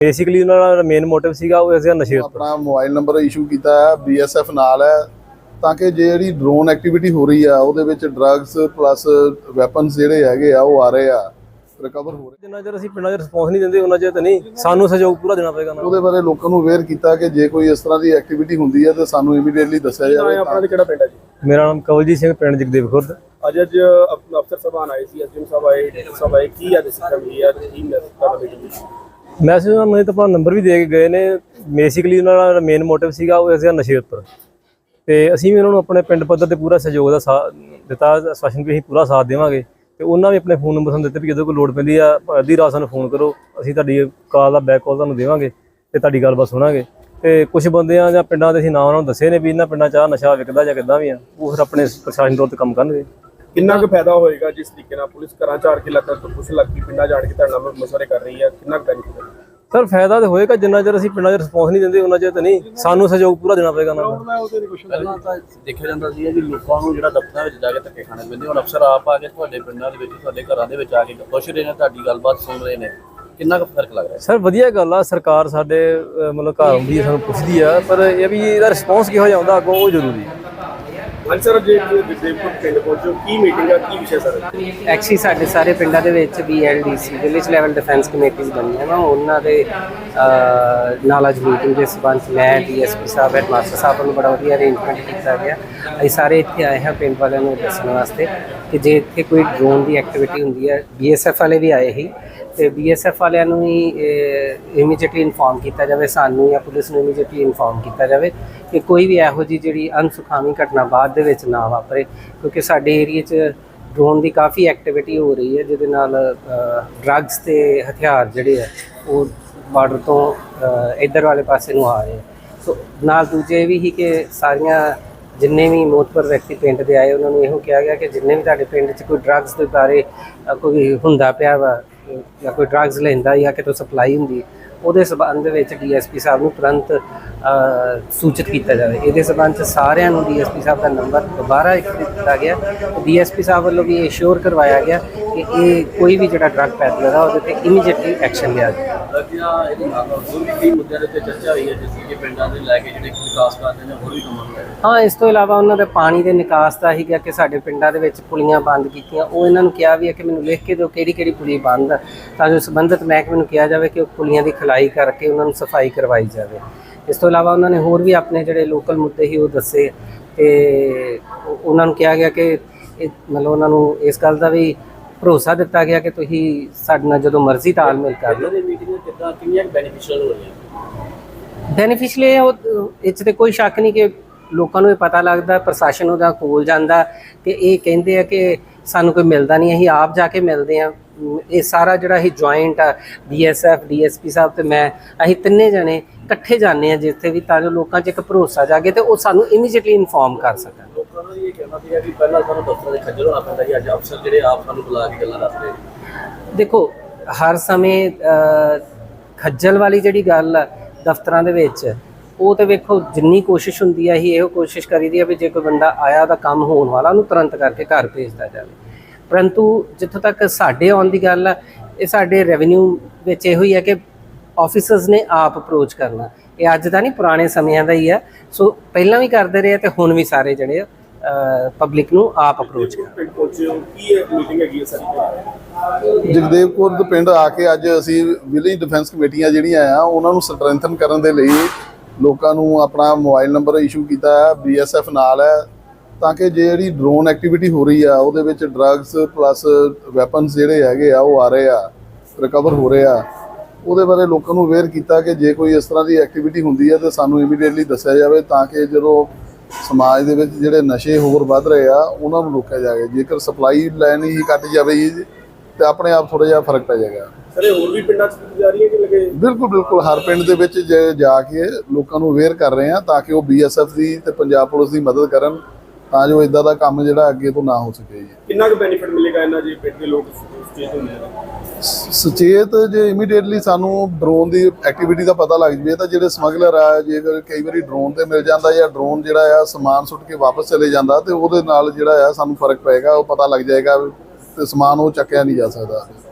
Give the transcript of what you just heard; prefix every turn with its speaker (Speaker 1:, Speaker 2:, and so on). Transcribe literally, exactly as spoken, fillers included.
Speaker 1: Basically ਉਹਨਾਂ ਦਾ main motive ਸੀਗਾ ਉਹ ਇਸਦਾ ਨਸ਼ੇ ਉੱਪਰ।
Speaker 2: ਆਪਣਾ ਮੋਬਾਈਲ ਨੰਬਰ ਇਸ਼ੂ ਕੀਤਾ ਹੈ, ਬੀਐਸਐਫ ਨਾਲ ਹੈ, ਤਾਂ ਕਿ ਜਿਹੜੀ ਡਰੋਨ ਐਕਟੀਵਿਟੀ ਹੋ ਰਹੀ ਆ ਉਹਦੇ ਵਿੱਚ ਡਰੱਗਸ ਪਲੱਸ ਵੈਪਨਸ ਜਿਹੜੇ ਹੈਗੇ ਆ ਉਹ ਆ ਰਹੇ ਆ, ਰਿਕਵਰ ਹੋ ਰਹੇ।
Speaker 1: ਜਿੰਨਾ ਚਿਰ ਅਸੀਂ ਪਿੰਡਾਂ 'ਚ ਰਿਸਪੌਂਸ ਨਹੀਂ ਦਿੰਦੇ ਉਹਨਾਂ ਚਿਰ ਤਾਂ ਨਹੀਂ, ਸਾਨੂੰ ਸਹਿਯੋਗ ਪੂਰਾ ਦੇਣਾ ਪਏਗਾ।
Speaker 2: ਉਹਦੇ ਬਾਰੇ ਲੋਕਾਂ ਨੂੰ ਅਵੇਅਰ ਕੀਤਾ ਕਿ ਜੇ ਕੋਈ ਇਸ ਤਰ੍ਹਾਂ ਦੀ ਐਕਟੀਵਿਟੀ ਹੁੰਦੀ ਹੈ ਤਾਂ ਸਾਨੂੰ ਇਮੀਡੀਏਟਲੀ ਦੱਸਿਆ ਜਾਵੇ।
Speaker 3: ਆਪਣਾ ਕਿਹੜਾ ਪਿੰਡ ਹੈ ਜੀ?
Speaker 1: ਮੇਰਾ ਨਾਮ ਕਵਲਜੀਤ ਸਿੰਘ, ਪਿੰਡ ਜਗਦੇਵ ਖੁਰਦ।
Speaker 3: ਅੱਜ ਅੱਜ ਅਫਸਰ ਸਾਹਿਬਾਨ ਆਏ ਸੀ, ਐਸਡੀਐਮ ਸਾਹਿਬ ਆਏ, ਸਭ ਆਏ, ਕੀ ਅੱਜ ਸਿਸਟਮ ਹੀ ਹੈ, ਕੀ ਮੈਸੇਜ ਕਰਨਾ?
Speaker 1: ਮੈਸੇਜ ਉਹਨਾਂ ਨੇ ਤਾਂ ਆਪਣਾ ਨੰਬਰ ਵੀ ਦੇ ਕੇ ਗਏ ਨੇ। ਬੇਸਿਕਲੀ ਉਹਨਾਂ ਦਾ ਮੇਨ ਮੋਟਿਵ ਸੀਗਾ ਉਹ ਇਸਦਾ ਨਸ਼ੇ ਉੱਪਰ, ਤੇ ਅਸੀਂ ਵੀ ਉਹਨਾਂ ਨੂੰ ਆਪਣੇ ਪਿੰਡ ਪੱਧਰ ਤੇ ਪੂਰਾ ਸਹਿਯੋਗ ਦਾ ਸਾਥ ਦਿੱਤਾ, ਆਸ਼ਵਾਸਨ ਵੀ ਅਸੀਂ ਪੂਰਾ ਸਾਥ ਦੇਵਾਂਗੇ। ਤੇ ਉਹਨਾਂ ਵੀ ਆਪਣੇ ਫੋਨ ਨੰਬਰ ਸਾਨੂੰ ਦਿੱਤੇ ਵੀ ਜਦੋਂ ਕੋਈ ਲੋੜ ਪੈਂਦੀ ਆ ਅੱਧੀ ਰਾਤ ਸਾਨੂੰ ਫੋਨ ਕਰੋ, ਅਸੀਂ ਤੁਹਾਡੀ ਕਾਲ ਦਾ ਬੈਕ ਕਾਲ ਤੁਹਾਨੂੰ ਦੇਵਾਂਗੇ ਤੇ ਤੁਹਾਡੀ ਗੱਲਬਾਤ ਸੁਣਾਂਗੇ। ਤੇ ਕੁਝ ਬੰਦਿਆਂ ਜਾਂ ਪਿੰਡਾਂ ਦੇ ਅਸੀਂ ਨਾਂ ਉਹਨਾਂ ਨੂੰ ਦੱਸੇ ਨੇ ਵੀ ਇਹਨਾਂ ਪਿੰਡਾਂ 'ਚ ਆਹ ਨਸ਼ਾ ਵਿਕਦਾ ਜਾਂ ਕਿੱਦਾਂ ਵੀ ਆ, ਉਹ ਫਿਰ ਆਪਣੇ ਪ੍ਰਸ਼ਾਸਨ ਤੌਰ ਤੇ ਕੰਮ ਕਰਨਗੇ।
Speaker 3: ਕਿੰਨਾ ਕੁ ਫਾਇਦਾ ਹੋਏਗਾ ਜਿਸ ਤਰੀਕੇ ਨਾਲ ਪੁਲਿਸ ਘਰਾਂ ਚਾਰ ਕੇ ਲੱਗ ਪੁਲਿਸ ਲੱਗ ਕੇ ਪਿੰਡਾਂ ਜਾਣ ਕੇ ਤੁਹਾਡੇ ਨਾਲ ਮਸ਼ਵਰੇ ਕਰ ਰਹੀ ਹੈ, ਕਿੰਨਾ ਕੁ ਬੈਨੀਫਿਟ ਹੈ?
Speaker 1: ਸਰ ਫਾਇਦਾ ਤਾਂ ਹੋਏਗਾ, ਜਿੰਨਾ ਚਿਰ ਅਸੀਂ ਪਿੰਡਾਂ 'ਚ ਰਿਸਪੌਂਸ ਨਹੀਂ ਦਿੰਦੇ ਉਹਨਾਂ ਚਿਰ ਤਾਂ ਨਹੀਂ, ਸਾਨੂੰ ਸਹਿਯੋਗ ਪੂਰਾ ਦੇਣਾ ਪਏਗਾ ਉਹਨਾਂ ਨੂੰ।
Speaker 4: ਪਹਿਲਾਂ ਤਾਂ ਦੇਖਿਆ ਜਾਂਦਾ ਸੀ ਕਿ ਲੋਕਾਂ ਨੂੰ ਜਿਹੜਾ ਦਫ਼ਤਰਾਂ ਵਿੱਚ ਜਾ ਕੇ ਧੱਕੇ ਖਾਣੇ ਪੈਂਦੇ, ਹੁਣ ਅਫਸਰ ਆਪ ਆ ਕੇ ਤੁਹਾਡੇ ਪਿੰਡਾਂ ਦੇ ਵਿੱਚ ਤੁਹਾਡੇ ਘਰਾਂ ਦੇ ਵਿੱਚ ਆ ਕੇ ਪੁੱਛ ਰਹੇ ਨੇ, ਤੁਹਾਡੀ ਗੱਲਬਾਤ ਸੁਣ ਰਹੇ ਨੇ, ਕਿੰਨਾ ਕੁ ਫਰਕ ਲੱਗ ਰਿਹਾ?
Speaker 1: ਸਰ ਵਧੀਆ ਗੱਲ ਆ, ਸਰਕਾਰ ਸਾਡੇ ਮਤਲਬ ਘਰ ਆਉਂਦੀ ਹੈ, ਸਾਨੂੰ ਪੁੱਛਦੀ ਆ, ਪਰ ਇਹ ਵੀ ਇਹਦਾ ਰਿਸਪੌਂਸ ਕਿਹੋ ਜਿਹਾ ਆਉਂਦਾ ਅੱਗੋਂ ਉਹ ਜ਼ਰੂਰੀ ਹੈ।
Speaker 3: ਹਾਂਜੀ ਸਰ, ਜੇ ਜਗਦੇਵਪੁਰ ਪਿੰਡ ਪਹੁੰਚੋ, ਕੀ ਮੀਟਿੰਗ ਆ, ਕੀ ਵਿਸ਼ੇ ਸਰ?
Speaker 5: ਐਕਚੁਅਲੀ ਸਾਡੇ ਸਾਰੇ ਪਿੰਡਾਂ ਦੇ ਵਿੱਚ ਵੀ L D C village level defence committees ਬਣੀਆਂ ਵਾ, ਉਹਨਾਂ ਦੇ ਨਾਲ ਅੱਜ ਮੀਟਿੰਗ ਦੇ ਸਬੰਧ ਮੈਂ ਡੀ ਐਸ ਪੀ ਸਾਹਿਬ ਹੈਡਮਾਸਟਰ ਸਾਹਿਬ ਨੂੰ ਬੜਾ ਵਧੀਆ ਅਰੇਂਜਮੈਂਟ ਕੀਤਾ ਗਿਆ। ਅਸੀਂ ਸਾਰੇ ਇੱਥੇ ਆਏ ਹਾਂ ਪਿੰਡ ਵਾਲਿਆਂ ਨੂੰ ਦੱਸਣ ਵਾਸਤੇ ਕਿ ਜੇ ਇੱਥੇ ਕੋਈ ਡਰੋਨ ਦੀ ਐਕਟੀਵਿਟੀ ਹੁੰਦੀ ਹੈ, ਬੀ ਐਸ ਐਫ ਵਾਲੇ ਵੀ ਆਏ ਸੀ, ਤੇ ਬੀ ਐਸ ਐਫ ਵਾਲਿਆਂ ਨੂੰ ਹੀ ਇਮੀਡੀਏਟਲੀ ਇਨਫੋਰਮ ਕੀਤਾ ਜਾਵੇ, ਸਾਨੂੰ ਜਾਂ ਪੁਲਿਸ ਨੂੰ ਇਮੀਡੀਏਟਲੀ ਇਨਫੋਰਮ ਕੀਤਾ ਜਾਵੇ ਕਿ ਕੋਈ ਵੀ ਇਹੋ ਜਿਹੀ ਜਿਹੜੀ ਅਨਸੁਖਾਵੀ ਘਟਨਾ ਬਾਅਦ ਦੇ ਵਿੱਚ ਨਾ ਵਾਪਰੇ, ਕਿਉਂਕਿ ਸਾਡੇ ਏਰੀਏ 'ਚ ਡਰੋਨ ਦੀ ਕਾਫੀ ਐਕਟੀਵਿਟੀ ਹੋ ਰਹੀ ਹੈ, ਜਿਹਦੇ ਨਾਲ ਡਰੱਗਸ ਤੇ ਹਥਿਆਰ ਜਿਹੜੇ ਆ ਉਹ ਬਾਰਡਰ ਤੋਂ ਇੱਧਰ ਵਾਲੇ ਪਾਸੇ ਨੂੰ ਆ ਰਹੇ। ਸੋ ਨਾਲ ਦੂਜੇ ਵੀ ਹੀ ਕਿ ਸਾਰੀਆਂ ਜਿੰਨੇ ਵੀ ਮੋਤਬਰ ਵਿਅਕਤੀ ਪਿੰਡ ਦੇ ਆਏ ਉਹਨਾਂ ਨੂੰ ਇਹੋ ਕਿਹਾ ਗਿਆ ਕਿ ਜਿੰਨੇ ਵੀ ਤੁਹਾਡੇ ਪਿੰਡ 'ਚ ਕੋਈ ਡਰੱਗਸ ਦੇ ਬਾਰੇ ਕੋਈ ਹੁੰਦਾ ਪਿਆ ਵਾ ਜਾਂ ਕੋਈ ਡਰੱਗਸ ਲੈਂਦਾ ਜਾਂ ਕਿਤੋਂ ਸਪਲਾਈ ਹੁੰਦੀ, ਉਹਦੇ ਸਬੰਧ ਵਿੱਚ ਡੀ ਐਸ ਪੀ ਸਾਹਿਬ ਨੂੰ ਤੁਰੰਤ ਸੂਚਿਤ ਕੀਤਾ ਜਾਵੇ। ਇਹਦੇ ਸਬੰਧ 'ਚ ਸਾਰਿਆਂ ਨੂੰ ਡੀ ਐਸ ਪੀ ਸਾਹਿਬ ਦਾ ਨੰਬਰ ਦੁਬਾਰਾ ਇੱਕ ਦਿੱਤਾ ਗਿਆ। ਡੀ ਐਸ ਪੀ ਸਾਹਿਬ ਵੱਲੋਂ ਵੀ ਇਹ ਸ਼ੋਰ ਕਰਵਾਇਆ ਗਿਆ ਕਿ ਇਹ ਕੋਈ ਵੀ ਜਿਹੜਾ ਡਰੱਗ ਪੈਡਲਰ ਆ ਉਹਦੇ 'ਤੇ ਇਮੀਡੀਏਟਲੀ ਐਕਸ਼ਨ ਲਿਆ ਜਾਵੇ।
Speaker 4: ਇਹਦੇ ਨਾਲ ਹੋਰ ਵੀ ਕਈ ਮੁੱਦਿਆਂ ਦੇ ਉੱਤੇ ਚਰਚਾ ਹੋਈ ਹੈ, ਜਿਸ ਕਿ ਪਿੰਡਾਂ ਦੇ ਲੈ ਕੇ ਜਿਹੜੇ ਵਿਕਾਸ ਕਰਦੇ ਨੇ ਹੋਰ ਵੀ ਕੰਮ ਕਰਦੇ ਨੇ।
Speaker 5: ਹਾਂ, ਇਸ ਤੋਂ ਇਲਾਵਾ ਉਹਨਾਂ ਦੇ ਪਾਣੀ ਦੇ ਨਿਕਾਸ ਦਾ ਹੀ ਗਿਆ ਕਿ ਸਾਡੇ ਪਿੰਡਾਂ ਦੇ ਵਿੱਚ ਪੁਲੀਆਂ ਬੰਦ ਕੀਤੀਆਂ, ਉਹ ਇਹਨਾਂ ਨੂੰ ਕਿਹਾ ਵੀ ਹੈ ਕਿ ਮੈਨੂੰ ਲਿਖ ਕੇ ਦਿਓ ਕਿਹੜੀ ਕਿਹੜੀ ਪੁਲੀ ਬੰਦ ਆ, ਤਾਂ ਜੋ ਸੰਬੰਧਿਤ ਮਹਿਕਮੇ ਨੂੰ ਕਿਹਾ ਜਾਵੇ ਕਿ ਉਹ ਪੁਲੀਆਂ ਦੀ ਖਲਾਈ ਕਰਕੇ ਉਹਨਾਂ ਨੂੰ ਸਫਾਈ ਕਰਵਾਈ ਜਾਵੇ। ਇਸ ਤੋਂ ਇਲਾਵਾ ਉਹਨਾਂ ਨੇ ਹੋਰ ਵੀ ਆਪਣੇ ਜਿਹੜੇ ਲੋਕਲ ਮੁੱਦੇ ਸੀ ਉਹ ਦੱਸੇ, ਤੇ ਉਹਨਾਂ ਨੂੰ ਕਿਹਾ ਗਿਆ ਕਿ ਮਤਲਬ ਉਹਨਾਂ ਨੂੰ ਇਸ ਗੱਲ ਦਾ ਵੀ ਭਰੋਸਾ ਦਿੱਤਾ ਗਿਆ ਕਿ ਤੁਸੀਂ ਸਾਡੇ ਨਾਲ ਜਦੋਂ ਮਰਜ਼ੀ ਤਾਲਮੇਲ ਕਰ ਲਓ।
Speaker 4: ਕਿੱਦਾਂ ਕਿੰਨੀਆਂ ਬੈਨੀਫਿਸ਼ੀਅਲ ਹੋ ਰਹੀਆਂ?
Speaker 5: ਬੈਨੀਫਿਸ਼ੀਅਲ ਇਹ ਉਹ ਇਹ 'ਚ ਤਾਂ ਕੋਈ ਸ਼ੱਕ ਨਹੀਂ ਕਿ ਲੋਕਾਂ ਨੂੰ ਇਹ ਪਤਾ ਲੱਗਦਾ, ਪ੍ਰਸ਼ਾਸਨ ਉਹਦਾ ਕੋਲ ਜਾਂਦਾ ਤੇ ਇਹ ਕਹਿੰਦੇ ਆ ਕਿ ਸਾਨੂੰ ਕੋਈ ਮਿਲਦਾ ਨਹੀਂ, ਅਸੀਂ ਆਪ ਜਾ ਕੇ ਮਿਲਦੇ ਹਾਂ। ਇਹ ਸਾਰਾ ਜਿਹੜਾ ਇਹ ਜੁਆਇੰਟ ਆ B S F D S P ਸਾਹਿਬ ਤੇ ਮੈਂ, ਅਸੀਂ ਤਿੰਨੇ ਜਣੇ ਇਕੱਠੇ ਜਾਂਦੇ ਹਾਂ ਜਿੱਥੇ ਵੀ, ਤਾਂ ਜੋ ਲੋਕਾਂ 'ਚ ਇੱਕ ਭਰੋਸਾ ਜਾਗੇ ਤੇ ਉਹ ਸਾਨੂੰ ਇਮੀਡੀਏਟਲੀ ਇਨਫੋਰਮ ਕਰ ਸਕਣ।
Speaker 4: ਲੋਕਾਂ ਨੂੰ ਇਹ ਕਹਿਣਾ ਸੀਗਾ ਕਿ ਪਹਿਲਾਂ ਸਾਨੂੰ ਦਫ਼ਤਰਾਂ ਦੇ ਖੱਜਲ ਹੋਣਾ ਪੈਂਦਾ ਸੀ, ਅੱਜ ਅਫਸਰ ਜਿਹੜੇ ਆਪ ਸਾਨੂੰ ਬੁਲਾ ਕੇ ਗੱਲਾਂ ਦੱਸ ਰਹੇ ਨੇ।
Speaker 5: ਦੇਖੋ, ਹਰ ਸਮੇਂ ਖੱਜਲ ਵਾਲੀ ਜਿਹੜੀ ਗੱਲ ਆ ਦਫ਼ਤਰਾਂ ਦੇ ਵਿੱਚ, ਉਹ ਤਾਂ ਵੇਖੋ ਜਿੰਨੀ ਕੋਸ਼ਿਸ਼ ਹੁੰਦੀ ਹੈ ਹੀ ਇਹੋ ਕੋਸ਼ਿਸ਼ ਕਰੀਦੀ ਹੈ ਵੀ ਜੇ ਕੋਈ ਬੰਦਾ ਆਇਆ ਉਹਦਾ ਕੰਮ ਹੋਣ ਵਾਲਾ ਉਹਨੂੰ ਤੁਰੰਤ ਕਰਕੇ ਘਰ ਭੇਜਦਾ ਜਾਵੇ। ਪਰੰਤੂ ਜਿੱਥੋਂ ਤੱਕ ਸਾਡੇ ਆਉਣ ਦੀ ਗੱਲ ਆ, ਇਹ ਸਾਡੇ ਰੈਵਨਿਊ ਵਿੱਚ ਇਹੋ ਹੀ ਹੈ ਕਿ ਆਫਿਸਰਸ ਨੇ ਆਪ ਅਪਰੋਚ ਕਰਨਾ। ਇਹ ਅੱਜ ਦਾ ਨਹੀਂ, ਪੁਰਾਣੇ ਸਮਿਆਂ ਦਾ ਹੀ ਹੈ। ਸੋ ਪਹਿਲਾਂ ਵੀ ਕਰਦੇ ਰਹੇ ਤੇ ਹੁਣ ਵੀ ਸਾਰੇ ਜਿਹੜੇ ਆ ਪਬਲਿਕ ਨੂੰ ਆਪ ਅਪਰੋਚ ਕਰਨ।
Speaker 3: ਪਿੰਡ ਪਹੁੰਚੇ ਹੋ, ਕੀ ਮੀਟਿੰਗ ਹੈਗੀ ਹੈ ਸਾਰੀ?
Speaker 2: ਜਗਦੇਵਪੁਰ ਦੇ ਪਿੰਡ ਆ ਕੇ ਅੱਜ ਅਸੀਂ ਵਿਲੇਜ ਡਿਫੈਂਸ ਕਮੇਟੀਆਂ ਜਿਹੜੀਆਂ ਆ ਉਹਨਾਂ ਨੂੰ ਸਟਰੈਂਥਨ ਕਰਨ ਦੇ ਲਈ ਲੋਕਾਂ ਨੂੰ ਆਪਣਾ ਮੋਬਾਈਲ ਨੰਬਰ ਇਸ਼ੂ ਕੀਤਾ ਹੈ, ਬੀ ਐਸ ਐਫ ਨਾਲ ਹੈ, ਤਾਂ ਕਿ ਜਿਹੜੀ ਡਰੋਨ ਐਕਟੀਵਿਟੀ ਹੋ ਰਹੀ ਆ ਉਹਦੇ ਵਿੱਚ ਡਰੱਗਸ ਪਲੱਸ ਵੈਪਨਸ ਜਿਹੜੇ ਹੈਗੇ ਆ ਉਹ ਆ ਰਹੇ ਆ, ਰਿਕਵਰ ਹੋ ਰਹੇ ਆ। ਉਹਦੇ ਬਾਰੇ ਲੋਕਾਂ ਨੂੰ ਅਵੇਅਰ ਕੀਤਾ ਕਿ ਜੇ ਕੋਈ ਇਸ ਤਰ੍ਹਾਂ ਦੀ ਐਕਟੀਵਿਟੀ ਹੁੰਦੀ ਹੈ ਤਾਂ ਸਾਨੂੰ ਇਮੀਡੀਏਟਲੀ ਦੱਸਿਆ ਜਾਵੇ, ਤਾਂ ਕਿ ਜਦੋਂ ਸਮਾਜ ਦੇ ਵਿੱਚ ਜਿਹੜੇ ਨਸ਼ੇ ਹੋਰ ਵੱਧ ਰਹੇ ਆ ਉਹਨਾਂ ਨੂੰ ਰੋਕਿਆ ਜਾਵੇ। ਜੇਕਰ ਸਪਲਾਈ ਲਾਈਨ ਹੀ ਕੱਟ ਜਾਵੇ ਜੀ ਤੇ ਆਪਣੇ ਆਪ ਥੋੜ੍ਹਾ ਜਿਹਾ ਫਰਕ ਪੈ ਜਾਏਗਾ।
Speaker 3: ਸਰ ਇਹ ਹੋਰ ਵੀ ਪਿੰਡਾਂ 'ਚ ਜਾ ਰਹੀ ਹੈ ਕਿ ਲੱਗੇ?
Speaker 2: ਬਿਲਕੁਲ ਬਿਲਕੁਲ, ਹਰ ਪਿੰਡ ਦੇ ਵਿੱਚ ਜਾ ਕੇ ਲੋਕਾਂ ਨੂੰ ਅਵੇਅਰ ਕਰ ਰਹੇ ਆ ਤਾਂ ਕਿ ਉਹ ਬੀ ਐਸ ਐਫ ਦੀ ਤੇ ਪੰਜਾਬ ਪੁਲਿਸ ਦੀ ਮਦਦ ਕਰਨ, ਤਾਂ ਜੋ ਇਦਾਂ ਦਾ ਕੰਮ ਜਿਹੜਾ ਅੱਗੇ ਤੋਂ ਨਾ ਹੋ ਸਕੇ ਜੀ।
Speaker 3: ਕਿੰਨਾ ਕੁ ਬੈਨੀਫਿਟ ਮਿਲੇਗਾ ਇਹਨਾਂ ਜੇ ਪਿੰਡ ਦੇ ਲੋਕ ਸੁਚੇਤ ਹੁੰਦੇ ਨੇ?
Speaker 2: ਸੁਚੇਤ ਜੇ ਇਮੀਡੀਏਟਲੀ ਸਾਨੂੰ ਡਰੋਨ ਦੀ ਐਕਟੀਵਿਟੀ ਦਾ ਪਤਾ ਲੱਗ ਜਾਵੇ ਤਾਂ ਜਿਹੜੇ ਸਮਗਲਰ ਆ, ਜੇਕਰ ਕਈ ਵਾਰੀ ਡਰੋਨ ਤੇ ਮਿਲ ਜਾਂਦਾ ਜਾਂ ਡਰੋਨ ਜਿਹੜਾ ਆ ਸਮਾਨ ਸੁੱਟ ਕੇ ਵਾਪਸ ਚਲੇ ਜਾਂਦਾ, ਤੇ ਉਹਦੇ ਨਾਲ ਜਿਹੜਾ ਆ ਸਾਨੂੰ ਫਰਕ ਪਏਗਾ, ਉਹ ਪਤਾ ਲੱਗ ਜਾਏਗਾ ਤੇ ਸਮਾਨ ਉਹ ਚੱਕਿਆ ਨਹੀਂ ਜਾ ਸਕਦਾ।